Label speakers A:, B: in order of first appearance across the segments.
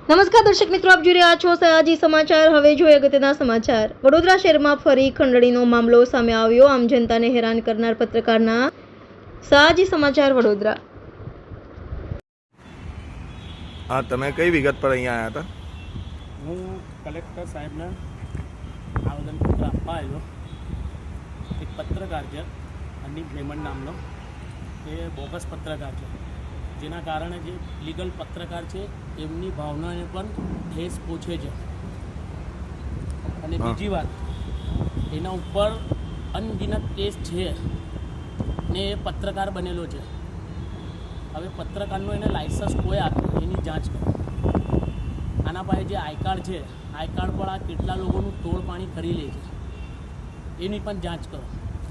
A: નમસ્કાર દર્શક મિત્રો, આપ જોઈ રહ્યા છો સયાજી સમાચાર। હવે જોઈએ અગત્યના સમાચાર। વડોદરા શહેરમાં ફરી ખંડણીનો મામલો સામે આવ્યો। આમ જનતાને હેરાન કરનાર પત્રકારના સયાજી સમાચાર વડોદરા।
B: હા, તમે કઈ વિગત પર અહીંયા આવ્યા હતા?
C: હું કલેક્ટર સાહેબને આવેદનપત્ર આપવા આવ્યો। એક પત્રકાર છે અનિક મેમણ નામનો, એ બોગસ પત્રકાર છે, જેના કારણે જે લીગલ પત્રકાર છે એમની ભાવનાને પણ ઠેસ પહોંચે છે। અને બીજી વાત, એના ઉપર અનગિનત કેસ છે ને એ પત્રકાર બનેલો છે। હવે પત્રકારનું એને લાઇસન્સ કોઈ આપ્યું એની જાંચ કરો। આના પાસે જે આઈ કાર્ડ છે, આઈ કાર્ડ પર આ કેટલા લોકોનું તોડ પાણી કરી લે છે એની પણ જાંચ કરો।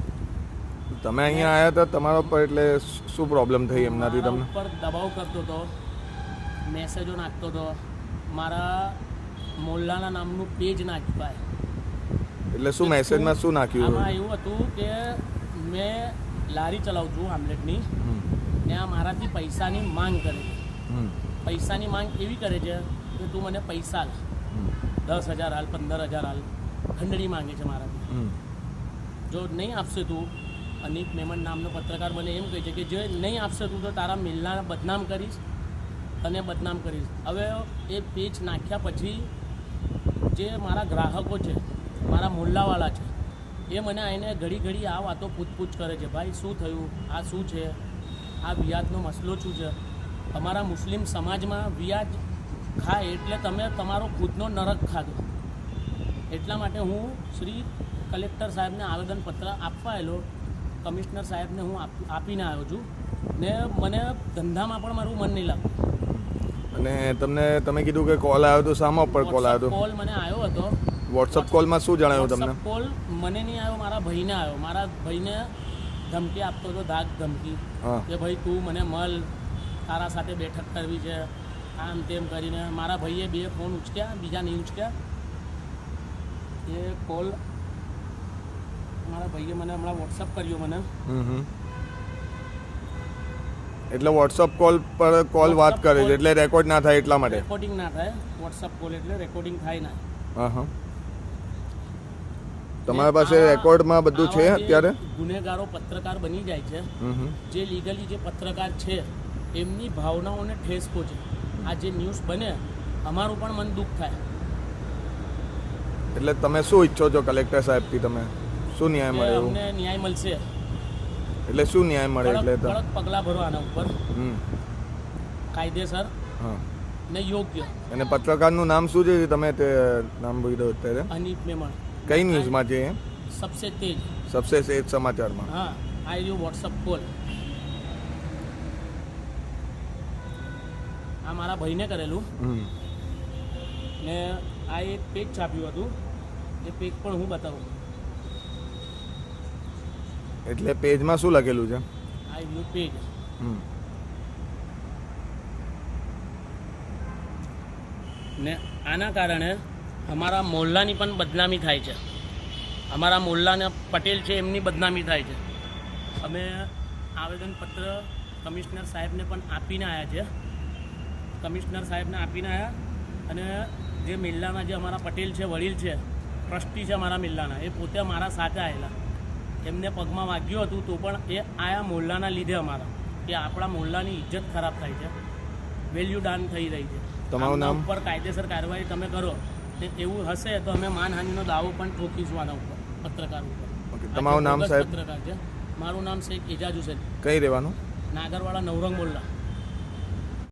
B: તમે અહીંયા આવ્યા હતા, તમારા પર એટલે શું પ્રોબ્લેમ થઈ એમનાથી તમને?
C: ઉપર દબાવ કરતો હતો, મેસેજો નાખતો હતો, મારા મોલ્લાના નામનું પેજ નાખ્યું ભાઈ।
B: એટલે શું મેસેજમાં શું નાખ્યું?
C: આમાં એવું હતું કે મેં લારી ચલાવું છું આમલેટની, ને આ મારાથી પૈસાની માંગ કરે છે। પૈસાની માંગ એવી કરે છે કે તું મને પૈસા હાલ, 10,000 હાલ, 15,000 હાલ, ખંડણી માંગે છે મારાથી। જો નહીં આપશે તું, અનિક મેમણ નામનો પત્રકાર મને એમ કહે છે કે જો નહીં આપશે તું તો તારા મિલના બદનામ કરીશ અને બદનામ કરીશ। હવે એ પેજ નાખ્યા પછી જે મારા ગ્રાહકો છે, મારા મોલ્લાવાળા છે, એ મને આવીને ઘડી ઘડી આ વાતો પૂછપૂછ કરે છે, ભાઈ શું થયું, આ શું છે, આ વ્યાજનો મસલો શું છે? તમારા મુસ્લિમ સમાજમાં વ્યાજ ખાય એટલે તમે તમારો ખુદનો નરક ખાધો। એટલા માટે હું શ્રી કલેક્ટર સાહેબને આવેદનપત્ર આપવા આવેલો, કમિશનર સાહેબને હું આપીને આવ્યો છું ને મને ધંધામાં પણ મારું મન નહીં લાગતું।
B: અને તમે કીધું કે કોલ આવ્યો તો શામાં ઉપર કોલ આવ્યો?
C: કોલ મને આવ્યો હતો।
B: વોટ્સઅપ કોલમાં શું જણાવ્યું તમને?
C: કોલ મને નહીં આવ્યો, મારા ભાઈને આવ્યો। મારા ભાઈને ધમકી આપતો હતો, ધાક ધમકી કે ભાઈ તું મને મળ, તારા સાથે બેઠક કરવી છે, આમ તેમ કરીને મારા ભાઈએ 2 ફોન ઉચક્યા, બીજા નહીં ઉચક્યા। એ કોલ મારા ભાઈએ મને હમણાં વોટ્સઅપ કર્યો મને।
B: એટલે વોટ્સઅપ કોલ પર કોલ વાત કરે છે એટલે રેકોર્ડ ના થાય એટલા માટે?
C: રેકોર્ડિંગ ના થાય, વોટ્સઅપ કોલ એટલે રેકોર્ડિંગ થાય ના।
B: હા, તમારા પાસે રેકોર્ડમાં બધું છે અત્યારે?
C: ગુનેગારો પત્રકાર બની જાય છે, જે લીગલી જે પત્રકાર છે એમની ભાવનાઓને ઠેસ પહોંચે। આ જે ન્યૂઝ બને, અમારું પણ મન દુઃખ થાય।
B: એટલે તમે શું ઈચ્છો છો કલેક્ટર સાહેબથી? તમે શું ન્યાય મળે?
C: અમને ન્યાય મળશે
B: એટલે શું ન્યાય મળે? એટલે
C: કડક પગલાં ભરો આના ઉપર, કાયદેસર ને યોગ્ય।
B: અને પત્રકારનું નામ શું છે? તમે તે નામ બોલ્યો અત્યારે?
C: અનિક મેમણ।
B: કઈ ન્યૂઝમાં છે?
C: સબસે તેજ,
B: સબસે તેજ સમાચારમાં।
C: હા, આ રહ્યું વોટ્સઅપ કોલ। આ મારા ભાઈને કરેલું ને આ એક પેજ છાપ્યું હતું, એ પેજ પણ હું બતાવું।
B: એટલે પેજમાં શું લખેલું છે?
C: આ વ્યૂ પેજ। ને આના કારણે અમારા મોહલ્લાની પણ બદનામી થાય છે। અમારા મોહલ્લાના પટેલ છે એમની બદનામી થાય છે। અમે આવેદનપત્ર કમિશનર સાહેબને પણ આપીને આવ્યા છે। કમિશનર સાહેબને આપીને આવ્યા, અને જે મિલ્લાના જે અમારા પટેલ છે, વડીલ છે, ટ્રસ્ટી છે અમારા મિલ્લાના, એ પોતે અમારા સાથે આવેલા। એમને પગમાં વાગ્યું હતું તો પણ એ આયા મોહલ્લાના લીધે અમારા, કે આપણા મોહલ્લાની ઇજ્જત ખરાબ થાય છે, વેલ્યુ ડાઉન થઈ રહી છે।
B: તમારું નામ?
C: ઉપર કાયદેસર કાર્યવાહી તમે કરો, ને એવું હશે તો અમે માનહાનિનો દાવો પણ ઠોકીશું આના ઉપર, પત્રકાર ઉપર।
B: તમારું નામ સાહેબ?
C: પત્રકાર છે, મારું નામ શેખ એજાજ હુસેન।
B: કઈ રહેવાનું?
C: નાગરવાડા નવરંગ મોલ્લા।